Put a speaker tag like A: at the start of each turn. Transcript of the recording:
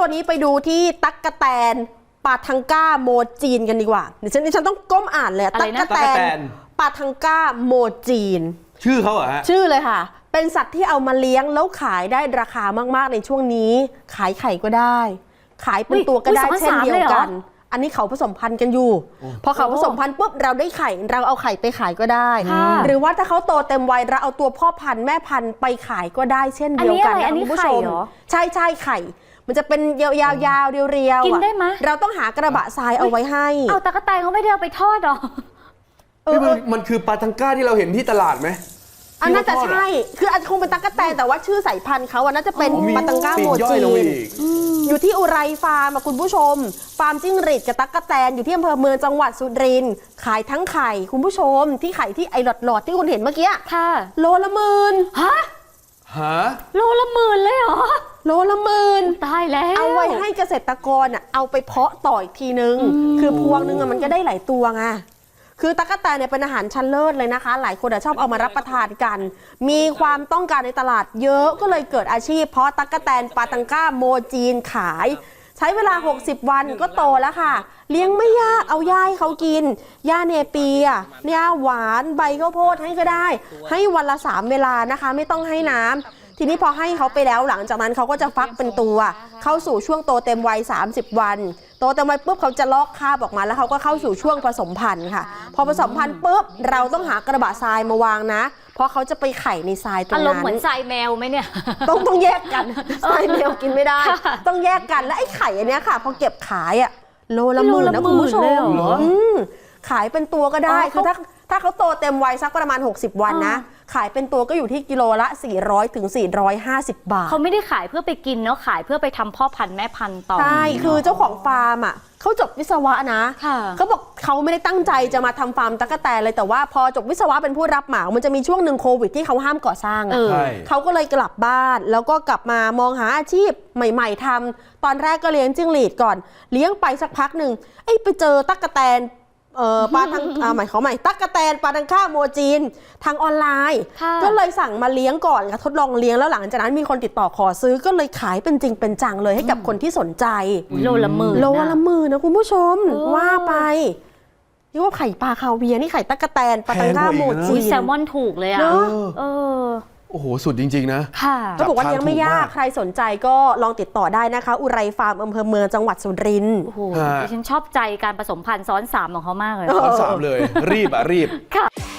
A: ตัวนี้ไปดูที่ตั๊กแตนปาทังก้าโมจีนกันดีกว่าเดี๋ยวฉันต้องก้มอ่านเลยตั๊กแตนปาทังก้าโมจีน
B: ชื่อเขาเหรอฮะ
A: ชื่อเลยค่ะเป็นสัตว์ที่เอามาเลี้ยงแล้วขายได้ราคามากๆในช่วงนี้ขายไข่ก็ได้ขายเป็นตัวก็ได้เช่นเดียวกันอันนี้เขาผสมพันธุ์กันอยู่พอเขาผสมพันธุ์ปุ๊บเราได้ไข่เราเอาไข่ไปขายก็ได้หรือว่าถ้าเขาโตเต็มวัยเราเอาตัวพ่อพันธุ์แม่พันธุ์ไปขายก็ได้เช่นเดียวกันนะคุณผู้ชมใช่ไข่มันจะเป็นยาวๆเรียวๆกินได้ไหมเราต้องหากระบะทรายเอาไว้ให้
C: เอาตะกะแตนเขาไม่ได้เอาไปทอดหรอ
B: มันคือปลาทังก้าที่เราเห็นที่ตลาดไหม
A: อันน่าจะใช่คืออาจจะคงเป็นตั๊กแตนแต่ว่าชื่อสายพันธุ์เขาน่าจะเป็นปาทังก้าโมจีนอยู่ที่อุไรฟาร์มคุณผู้ชมฟาร์มจิ้งหรีดกับตั๊กแตนอยู่ที่อำเภอเมืองจังหวัดสุรินทร์ขายทั้งไข่คุณผู้ชมที่ไข่ที่ไอหลอดที่คุณเห็นเมื่อกี้
C: ค่ะ
A: โลละ10,000
C: ฮะโลละ10,000เลยเหรอ
A: โลละ10,000
C: ตายแล้ว
A: เอาไว้ให้เกษตรกรเอาไปเพาะต่ออีกทีนึงคือพวงนึงมันก็ได้หลายตัวไงคือตั๊กแตนเนี่ยเป็นอาหารชั้นเลิศเลยนะคะหลายคนชอบเอามารับประทานกันมีความต้องการในตลาดเยอะก็เลยเกิดอาชีพเพาะตั๊กแตนปาทังก้าโมจีนขายใช้เวลา60วันก็โตแล้วค่ะเลี้ยงไม่ยากเอาหญ้าให้เขากินหญ้าเนเปียหญ้าหวานใบข้าวโพดให้ก็ได้ให้วันละ3เวลานะคะไม่ต้องให้น้ำทีนี้พอให้เขาไปแล้วหลังจากนั้นเขาก็จะฟักเป็นตัวเข้าสู่ช่วงโตเต็มวัย30วันโตเต็มวัยปุ๊บเขาจะลอกคราบออกมาแล้วเขาก็เข้าสู่ช่วงผสมพันธุ์ค่ะพอผสมพันธุ์ปุ๊บเราต้องหากระบะทรายมาวางนะเพราะเขาจะไปไข่ในทรายตรงนั้น
C: อารมณ์เหมือนทรายแมวไหมเนี่ย
A: ต้องแยกกันทรายแมวกินไม่ได้ต้องแยกกันและไอ้ไข่อันนี้ค่ะพอเก็บขายโลละ10,000นะคุณผู้ชมขายเป็นตัวก็ได้คือถ้าเขาโตเต็มวัยสักประมาณ60วันนะขายเป็นตัวก็อยู่ที่กิโลละ400 ถึง 450 บาท
C: เขาไม่ได้ขายเพื่อไปกินเนาะขายเพื่อไปทำพ่อพันธุ์แม่พันธุ์ต่อ
A: ใช่คือเจ้าของฟาร์มเขาจบวิศวะนะเขาบอกเขาไม่ได้ตั้งใจจะมาทำฟาร์มตั๊กแตนเลยแต่ว่าพอจบวิศวะเป็นผู้รับเหมามันจะมีช่วงหนึ่งโควิดที่เขาห้ามก่อสร้างเขาก็เลยกลับบ้านแล้วก็กลับมามองหาอาชีพใหม่ๆทำตอนแรกก็เลี้ยงจิ้งหรีดก่อนเลี้ยงไปสักพักหนึ่งไปเจอตั๊กแตนปลาทังหมายเขาใหม่ตั๊กแตนปลาทังก้าโมจีนทางออนไลน์ก็เลยสั่งมาเลี้ยงก่อนค่ะทดลองเลี้ยงแล้วหลังจากนั้นมีคนติดต่อขอซื้อก็เลยขายเป็นจริงเป็นจังเลยให้กับคนที่สนใจ
C: โลละ10,000
A: นะคุณผู้ชมว่าไปนี่ว่าไข่ปลาคาเวียร์นี่ไข่ตั๊กแตนปลาทังก้าโมจีน
C: แซลมอนถูกเลย
B: โอ้โหสุดจริงๆนะ
A: ค่ะเขาบอกว่ายังไม่ยากใครสนใจก็ลองติดต่อได้นะคะอุไรฟาร์มอำเภอเมืองจังหวัดสุรินทร์
C: โอ้โหดิฉันชอบใจการผสมพันธุ์ซ้อน3ของเขามากเลย
B: ซ้อน3เลยรีบค่ะ